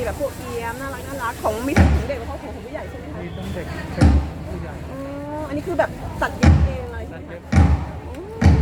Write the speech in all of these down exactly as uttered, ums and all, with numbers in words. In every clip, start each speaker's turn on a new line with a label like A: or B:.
A: แบบพวกเอี๊ยมน่ารักน่ารักของมีทั้งของเด็กแล้วก็ของผู้ใหญ่ใช่ไหมคะ
B: มีทั้งเด็กเป็นผู้ใหญ่
A: อ๋ออันนี้คือแบบตัดเย็บเองเลยใช่ไหมคะอ๋อ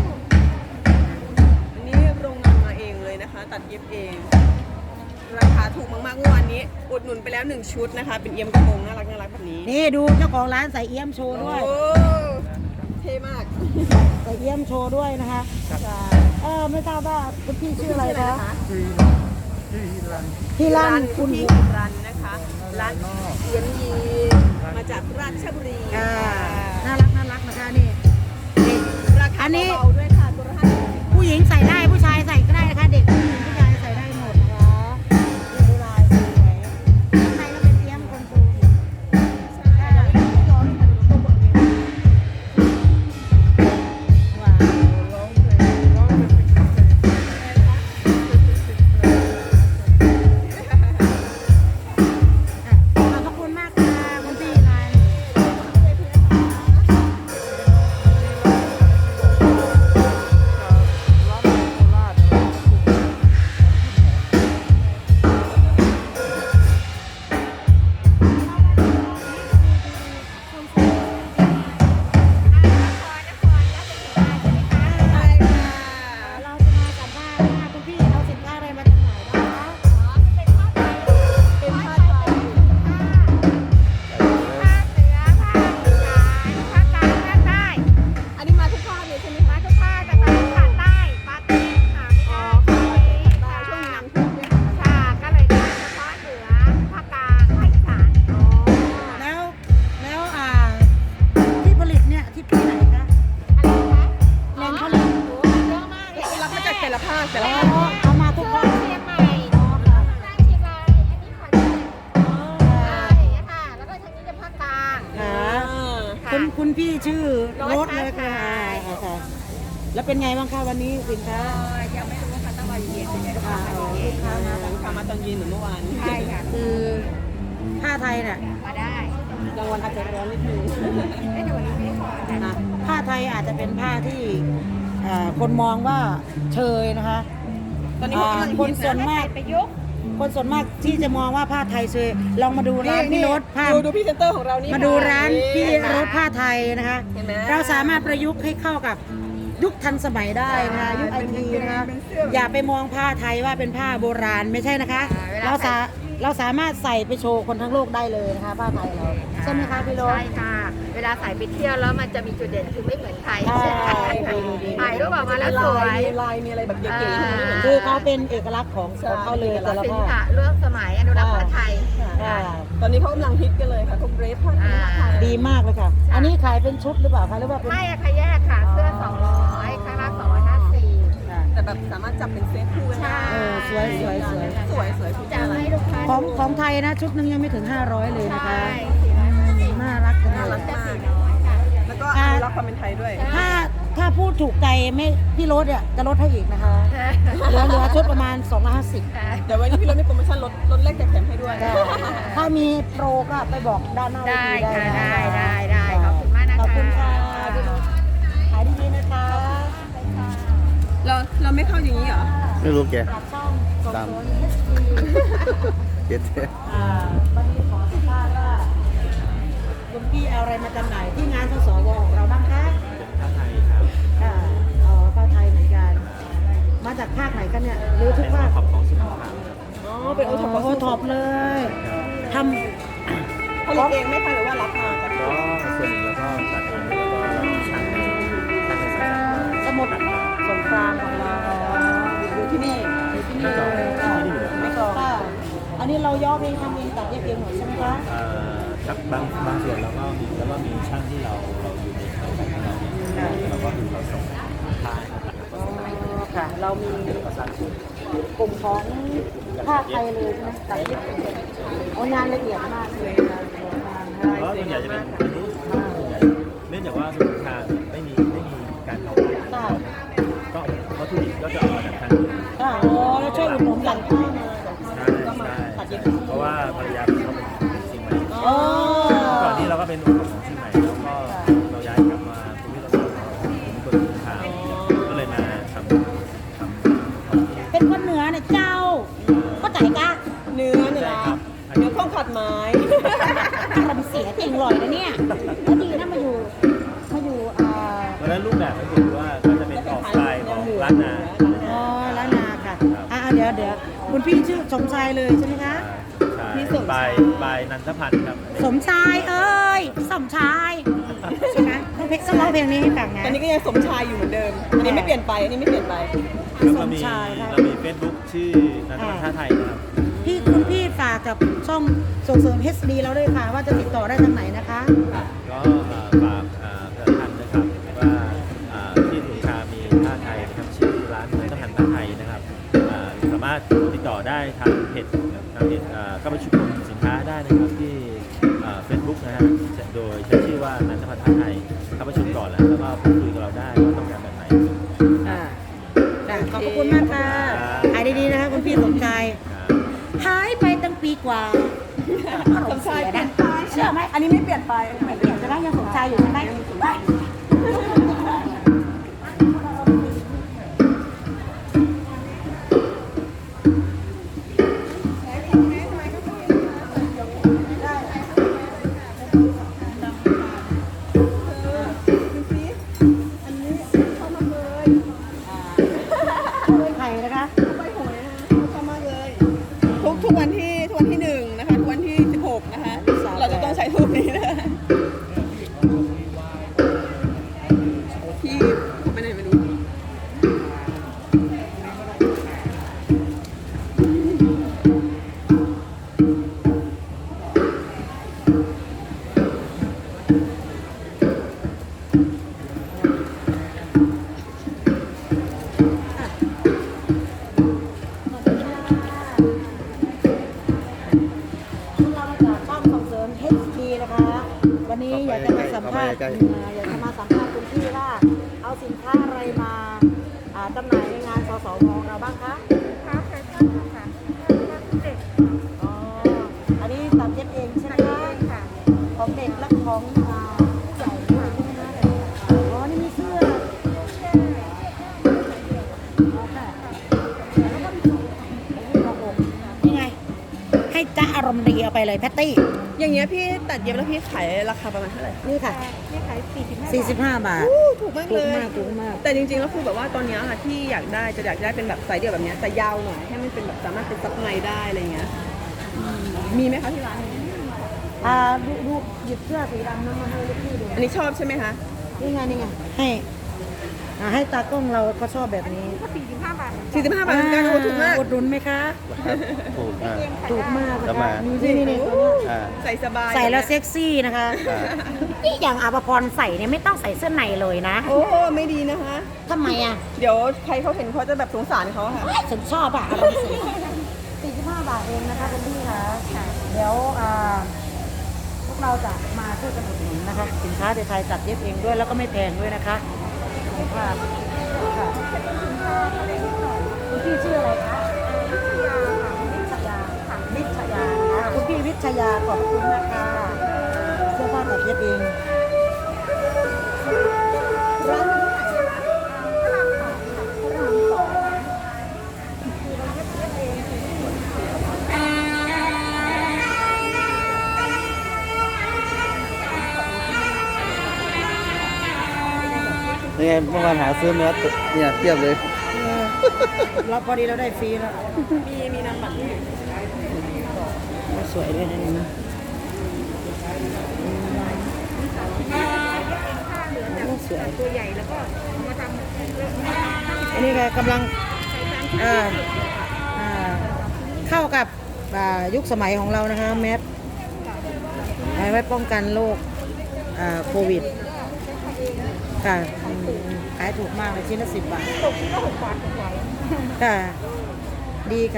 A: อันนี้โรงงานมาเองเลยนะคะ ตัดเย็บเอง ราคาถูกมากๆเมื่อวานนี้อุดหนุนไปแล้วหนึ่งชุดนะคะ เป็นเอี่ยมกระโปรงน่ารักน่ารักแบบนี้
C: นี่ดูเจ้าของร้านใส่เอี้ยมโชว์ด้วย
A: โอ้เท่มาก
C: ใส่เอี้ยมโชว์ด้วยนะคะ
A: ใช่
C: เออไม่ทราบว่าคุณพี่ชื่ออะไรคะ
B: ที่ที่รัน
C: พี่ลั่น
A: คุ
C: คุณ ณ
A: พี่
C: พี่
A: รันนะคะ ร้านเอี๊ยมยีมาจากราชบุรี
C: อ่าน่ารักน่ารักนะคะนี่นี่
A: ราคา
C: อันนี้
A: เบาๆด้วยค่ะตัวละห้าสิบ
C: ผู้หญิงใส่ได้ผู้ชายใส่ก็ได้นะคะ เด็กผู้หญิงผู้ชายใส่ได้หมดนะคะดูลายสวยข้างในก็เป็นเอี้ยมคนปูว้าว
B: ร้องเพลงร้องเป็นเพลง
C: ขอบพระคุณมากค่ะคุณพี่นาย
B: ร้องเพลงโคราช
A: ใช่ค่ะ
C: เราจะมาสัมภาษณ์ว่าคุณพี่เอาสินค้าอะไรมาจำหน่ายนะคะ
A: เป็นผ้าไทยอันนี้มาทุกภาคเลยใช่ไหมคะทุกภาคแต่ตอนนี้ขาดใต้ปาร์ตี้ค่ะอ๋อค่ะใต้ช่วงน้ำท่วมเนี่ยค่ะ
C: แล้วแล้วอ่าที่ผลิตเนี่ยที่ที่ไหนคะแหล่งผลิต
A: รับมาจากแต่ละภาคแต่ละ
C: อ๋อ
A: ภาค
C: เอามาทุกภาคอ๋อค่ะค่ะคุณคุณพี่ชื่อโรสเลยค่ะอ่าค่ะแล้วเป็นไงบ้างคะวันนี้สินค้า
A: ยังไม่รู้ว่าต้องมาเย็นเป็นไง
C: อ่าเอาลูกค้ามา
A: ลูกค้ามาตอนเย็นเหมือนเมื่อวาน
C: ใช่ค่ะคือผ้าไทยเนี่ย
A: กลางวันอาจจะร้อนนิดนึง
C: นะผ้าไทยอาจจะเป็นผ้าที่เอ่อคนมองว่าเชยนะคะ
A: ตอนนี้เขากำลัง
C: อ่าคนส่วนมาก คนส่วนมากที่จะมองว่าผ้าไทยเชยลองมาดูร้านพี่รถผ้า
A: ดูดูพรี่เซนเตอร์ของเรานี่
C: มาดูร้านพี่รถผ้าไทยนะคะ
A: เห็นไหม
C: เราสามารถประยุกต์ให้เข้ากับยุคทันสมัยได้นะคะยุคไอทีนะคะอย่าไปมองผ้าไทยว่าเป็นผ้าโบราณไม่ใช่นะคะ เราสาเราสามารถใส่ไปโชว์คนทั้งโลกได้เลยนะคะผ้าไทยเราใช่ไหมคะพี่รถ
D: ใช่ค่ะ เวลาใส่ไปเที่ยวแล้วมันจะมีจุดเด่นคือไม่เหมือนใคร
C: ใช่
D: ถ่ายรูปออกมาแล้วสวย
A: มีลายมีอะไรแบบเก๋ๆที่มันไม่เหมือน
C: คือเขาเป็นเอกลักษณ์ของของเขาเลยแต่ละ
D: สิน
C: ผ้า
D: ค้าเรื่องสมัยอนุรักษ์ผ้าไทย
C: ค่ะ
A: ตอนนี้เขากำลังฮิตกันเลยค่ะพวกเดรสผ้าไทย
C: ดีมากเลยค่ะ อันนี้ขายเป็นชุดหรือเปล่าคะหรือว่าเป็น
D: ไม่อะค่ะแยกค่ะ เสื้อสองร้อยข้างล่างสองร้อยห้าสิบ
C: ค่ะ
A: แต่แบบสามารถจับเป็นเซตคู่กันได้
C: เออสวยสวยสวย
A: สวยสวยทุกอ
D: จะ
A: ย่าง
D: ให้ลูกค้า
C: ของของไทยนะชุดหนึงยังไม่ถึงห้าร้อยเลยนะคะ
D: ใช่สี่ร้อยห้าสิบ
C: น่ารักจัง
A: น่า
C: เล
A: รัก
C: ย
A: มาก
D: สี่ร้อยค่ะ
A: แล้วก็อนุรักษ์ความเป็นไทยด้วย
C: ถ้าถ้าพูดถูกใจไม่พี่รถเนี่ยจะลดให้อีกนะคะ เหลือเหลือชุดประมาณสองร้อยห้าสิบ
A: เดี๋ยววันนี้พี่รถมีโปรโมชั่นลดลดแลกแจกแถมให้ด้วย
C: ถ้ามีโปรก็ไปบอกด้านหน้าเว
D: ได้
C: ที
D: ค่ะ
C: นะ
D: ได้ได้ได้ขอบคุณมากนะคะ
C: ขอบคุณค่ะพี่รถขายดีๆนะคะ
A: เราเราไม่เข้าอย่างนี้เหรอ
E: ไม่รู้แก
C: จากช่องกด
E: ตาม
C: โซน เอช ดี
E: เจ็ด
C: อ่าวันนี้ขอสัมภาษณ์ว่าคุณพี่เอาอะไรมาจำหน่ายที่งานสสวของเราบ้างคะผ้าไทยครับค่ะอ๋อผ้าไทยเหมือนกัน มาจากภาคไหนกันเนี่ยหรือทุกภาค
A: อ๋อ เป็นโอท็อป
C: โอท็อปเลยท
A: ผลิตเองไหม่คะหรือว่ารับมาจาก
E: ก็ส่วนหนึ่งแล้วก็ตัดเองแล้วก็เราช่างในช่างในสาย
C: ำสมุดสงครามของเรา
A: อยู่ที่นี่
C: อยู่ที่นี่เลยไม่กรองค่ะอันนี้เราย่อเองทำเองตัดเย็บเองหมดใช่ไหมคะ
E: เอ่อครับบางบางส่วนเราก็มีแล้วก็มีช่างที่เราเราอยู่ในเครือของเราเนี่ยเราก็คือเราส่งผ้าให้เขาตัดแล้วก็
C: อ๋
E: ส่งให้
C: อค่ะ เรามี
E: ก็สร้างสูตร
C: กลุ่มของภาคไทยเลยใช่ไหมตัดเย็บเองโอ้งานละเอียดมากเลยนะงาน
E: เพราะส่วนใหญ่จะเป็นอันนี้ส่วนใหญ่เนื่องจากว่าสมุนไพรไม่มีไม่มีการเผาไหม้
C: ค่ะ
E: ก็วัตถุดิบก็จะเอามาจากทางอื่น
C: ค่ะโอ้แล้วช่วยอุดหนุนกัน
E: ใช่ใช่เพราะว่าภรรยาผมเขาเป็นคนเชียงใหม่
C: อ๋อ
E: ก่อนนี้เราก็เป็นองค์ของเชียงใหม่แล้วก็เราย้ายกลับมาภูมิลำเนาเป็นคนพื้นฐานก็เลยมาทำทำ
C: เป็นคนเหนือเนี่ยเจ้าก็ใจกะ
E: เ
A: เนื้อเนื้อ
E: ใช่ครับ
A: เนื้อข้องขัดไม้
C: อารมณ์เสียเก่งลอยนะเนี่ยแล้วดีนะมาอยู่มาอยู่อ่า
E: เพราะฉะนั้นรูปแบบก็คือว่าก็จะเป็นออกสไตล์ของร้านนา
C: อ๋อล้านนาค่ะอ่าเดี๋ยวเดี๋ยวคุณพี่ชื่อสมชายเลยใช่ไหมคะ
A: พี่สม
E: ป
A: ชา
E: ลาย ยปลายนันทพันธ์ครับ
C: สมชายเอ้ยสมชายใช่ไหมต้องเพลงต้องร้องเพลงนี้ให้ฟังนะ
A: ตอนนี้ก็ยังสมชายอยู่เหมือนเดิม อันนี้ไม่เปลี่ยนไป อันนี้ไม่เปลี่ยนไป
E: แล้วก็มี
C: สมชายครับ
E: เรามีเฟซบุ๊กชื่อนันทพันธ์ท่าไทยนะครับ
C: พี่คุณพี่ฝากกับช่องส่งเสริม เอช ดี เราด้วยค่ะว่าจะติดต่อได้ทางไหนนะคะ
E: ก็เอ่อฝากเอ่อประชาสัมพันธ์นะครับว่าเอ่อที่สุชามีท่าไทยนะครับชื่อร้านนันทพันธ์ท่าไทยนะครับเอ่อสามารถติดต่อได้ทางเพจทางเพจเอ่อเข้าไปชุมนุมสินค้าได้นะครับที่เฟซบุ๊กนะฮะโดยใช้ชื่อว่านันทพันธ์ท่าไทยเข้าประชุมก่อนแล้วแล้วก็พูดคุยกับเราได้ว่าต้องการแบบไหน
C: อ่าได้ขอบพระคุณมากค่ะหายดีๆนะคะคุณพี่สมชาย
E: ครับ
C: หายไปตั้งปีกว่า
A: สมชายเปลี่ยน
C: ไป
A: ไป
C: เชื่อไหม
A: อันนี้ไม่เปลี่ยนไป
C: ไม่เปลี่ยนจะได้ยังสมชายอยู่ใช่ไหม ไข่นะคะ
A: ไปหวยนะชอบมากเลย ทุกทุกวันที่ทุกวันที่หนึ่งนะคะ ทุกวันที่สิบหกนะคะ เราจะต้องใช้ทูบนี้นะพี่เขาไปไหนไม่รู้
C: พวกเรามาจากช่องส่งเสริม เอช ดี นะคะ วันนี้อยากจะมาสัมภาษณ์อ่าอยากจะมาสัมภาษณ์คุณพี่ว่าเอาสินค้าอะไรมาอ่าจำหน่ายในงานสสวของเราบ้างคะ
D: ค้าแฟชั่นค่ะค้าเด็ก
C: อ๋อ อันนี้ตัดเย็บเองใช่ไหมคะ
D: ค่ะ
C: ของเด็กและของอ่าผู้ใหญ่ด้วยใช่ไหมคะอ๋อ นี่มีเสื้ออ๋อค่ะแล้วก็มีกระโปรงนี่ไง ให้จ้าอารมณ์ดีเอาไปเลยแพตตี้
A: อย่างเงี้ยพี่ตัดเย็บแล้วพี่ขายราคาประมาณเท่าไหร่
C: นี่ค่ะ
D: นี่ขายสี่สิบห้า
C: สี่สิบห้าบาท
A: อู้ถูกมาก
C: ถู
A: เล
C: ก
A: ย
C: มากถูกมาก
A: แต่จริงๆแล้วคือแบบว่าตอนเนี้ยค่ะที่อยากได้จะอยากได้เป็นแบบไซส์เดี่ยวแบบเนี้ยแต่ยาวหน่อยให้มันเป็นแบบสามารถเป็นซับในได้อะไรเงี้ยอืมมีไหมคะที่ร้านนี้
C: อ่าดูดูหยิบเสื้อสีดำนั้นมาให้ลูกพี่ดู
A: อันนี้ชอบใช่ไหมคะ
C: นี่ไงนี่ไงให้อ่าให้ตากล้องเราก็ชอบแบบนี้
D: ก็สี่สิบห้าบาท
A: สี่สิบห้าบาทเหมือนกันโอ้ถูกมาก
C: อุดหนุนไหมคะ
E: ถูกอ่า
C: ถูกมาก
E: แล้วมา
C: นี่นี่นี่ตัวเนี้ย
E: อ่า
A: ใส่สบาย
C: ใส่แล้วเซ็กซี่นะคะ
E: อ่า
C: นี่อย่างอาภพรใส่เนี่ยไม่ต้องใส่เสื้อในเลยนะ
A: โอ้ไม่ดีนะคะ
C: ทำไมอ่ะ
A: เดี๋ยวใครเขาเห็นเขาจะแบบสงสารเขาค่ะ
C: ฉันชอบอ่ะอารมณ์เสียสี่สิบห้าบาทเองนะคะคุณพี่คะเดี๋ยวอ่าพวกเราจะมาช่วยกันอุดหนุนนะคะ สินค้าไทยๆจัดเย็บเองด้วยแล้วก็ไม่แพงด้วยนะคะขอบคุณค่ะค่ะคุณพี่ชื่ออะไรคะวิชยาค่ะวิชยานะคะคุณพี่วิชยาขอบคุณนะคะเสื้อผ้าตัดเย็บเองร้านนี้ที่ไหนคะพระรามสองคือเราเย็บเย็บเองคือ
B: นี่ไงเมื่อวานหาซื้อเนื้อตุ๋นเนี่ยเทียบเลย
C: เออเราพอดีเราได้ฟรีแล้ว
A: มีมีนามบัตรด้วย
C: สวยด้วยนะนี่นะสวย
D: ตัวใหญ่แล้วก็เอามาทำ
C: อันนี้ก็กำลังอ่าอ่าเข้ากับอ่ายุคสมัยของเรานะคะแมสเอาไว้ป้องกันโรคอ่าโควิดค่ะอืมขายถูกมากเลยชิ้นละสิบบาท
D: ตกที่ก็หกบาทหกร้อย
C: ค่ะ ดีค่ะ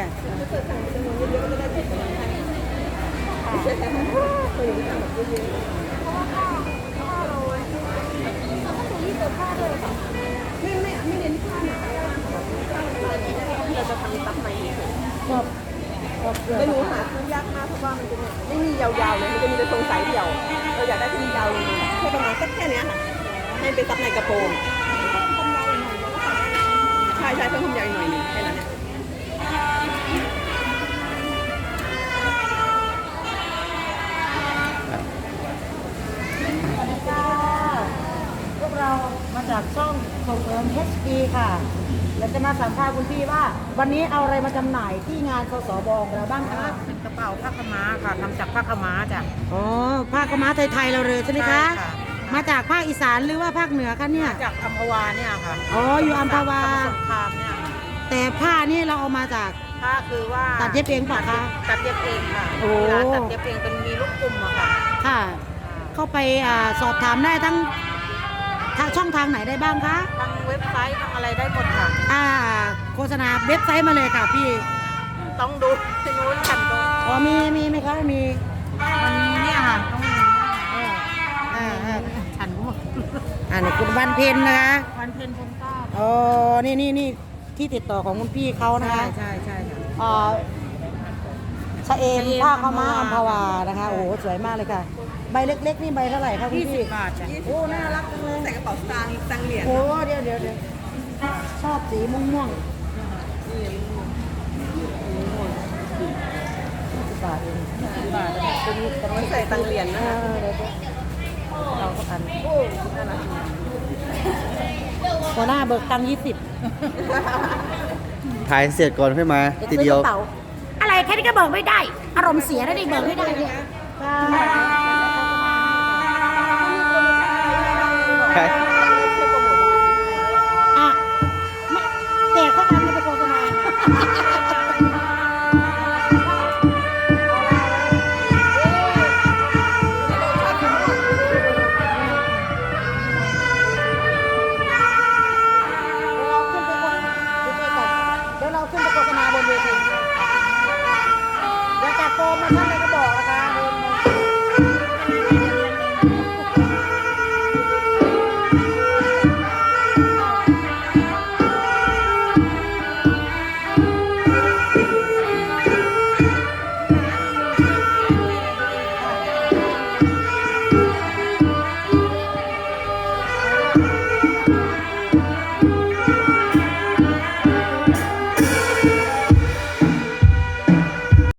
A: ไม่ไม่ไม่เน้นผ้าหนาเราจะทำซับในเฉย
C: ชอบชอบเสื้อ
A: แต่หนูหาซื้อยากมากเพราะว่ามันจะไม่มียาวๆเลยมันจะมีแต่ทรงสายเดี่ยวเราอยากได้ที่มียาวลงมาแค่ประมาณสักแค่เนี้ยค่ะให้เป็นซับในกระโปรงใช่ใช่เพิ่มความยาวอีกหน่อยหนึงแค่นั้นเนี่ย
C: ค่ะเราจะมาสัมภาษณ์คุณพี่ว่า วันนี้เอาอะไรมาจำหน่ายที่งานสสบของเราบ้างคะ
B: เป็นกระเป๋าผ้าขาวม้าค่ะทำจากผ้าขาวม้าจ้ะ
C: อ๋อผ้ากำม้าไทยๆเราเลยใช่ไหมคะ
B: ใช่ค่ะ
C: มาจากภาคอีสานหรือว่าภาคเหนือคะเนี่ย
B: จากอัมพวาเนี่ยค่ะ
C: อ๋ออยู่อัมพวา
B: สงครามเนี่ย
C: แต่ผ้านี่เราเอามาจาก
B: ผ้าคือว่า
C: ตัดเย็บเองเปล่ะคะ
B: ตัดเย็บเองค่ะ
C: โอ้
B: ร้านตัดเย็บเองเป็นมีลูกกลุ่มอะค่ะ
C: ค่ะ เข้าไปอ่าสอบถามได้ทั้งทางช่องทางไหนได้บ้างคะ
B: ทั้งเว็บไซต์ทั้งอะไรได้หมดค่ะ
C: อ่าโฆษณาเว็บไซต์มาเลยค่ะพี่
B: ต้องดูที่นู้นกันตรง
C: อ๋อมีมีไหมคะมี
B: มันมีเนี่ยค่ะต้องมี
C: อ่าอ่า
B: ฉันก็หมด
C: อ่านี่คุณวันเพ็ญนะคะ
B: วันเพ็ญพงก้า
C: อ๋อนี่นี่นี่ที่ติดต่อของคุณพี่เขานะ
B: ใช่
C: คะ
B: ใช่ใช่ค่ะ
C: อ่าชะเอม
B: ชะเอม
C: ผ้าขาวม้า
B: อั
C: อั
B: ม
C: ม
B: พ
C: พ
B: วา
C: วานะคะ โอ้โหสวยมากเลยค่ะ ใบเล็กๆนี่ใบเท่าไหร่คะคุณ
B: ยี่สิ
C: พี่
B: บบาทจ้ะ
C: โอ้ น่ารักจังเลย
A: ใส่กระเป๋าสตางค์สตางค์เหรียญ
C: โอ้เดี๋ยวเดี๋ยวเดี๋ยวชอบสีม่วงม่วงสิบบาทเองสิบบาทตัวนี้ตัวนี้
A: ใส่ตังค์เหรียญ
C: เอ
A: นะคะ
C: อเดี๋ยวเดี๋ยวเราก็อันหัวหน้าเบิกตังค์ยี่สิบ
F: ถ่ายเสร็จก่อนค่อยมาทีเดียว
C: อะไรแค่นี้ก็เบิกไม่ได้ อารมณ์เสียแล้วดิเบิกไม่ได้เนี่ย
F: ใช่
C: อ่ะไม่แต่เขาทำมาเป็นโฆษณาเดี๋ยวเราขึ้นไปโฆษณาบนเวทีเดี๋ยวจัดโปรโมชั่นเลย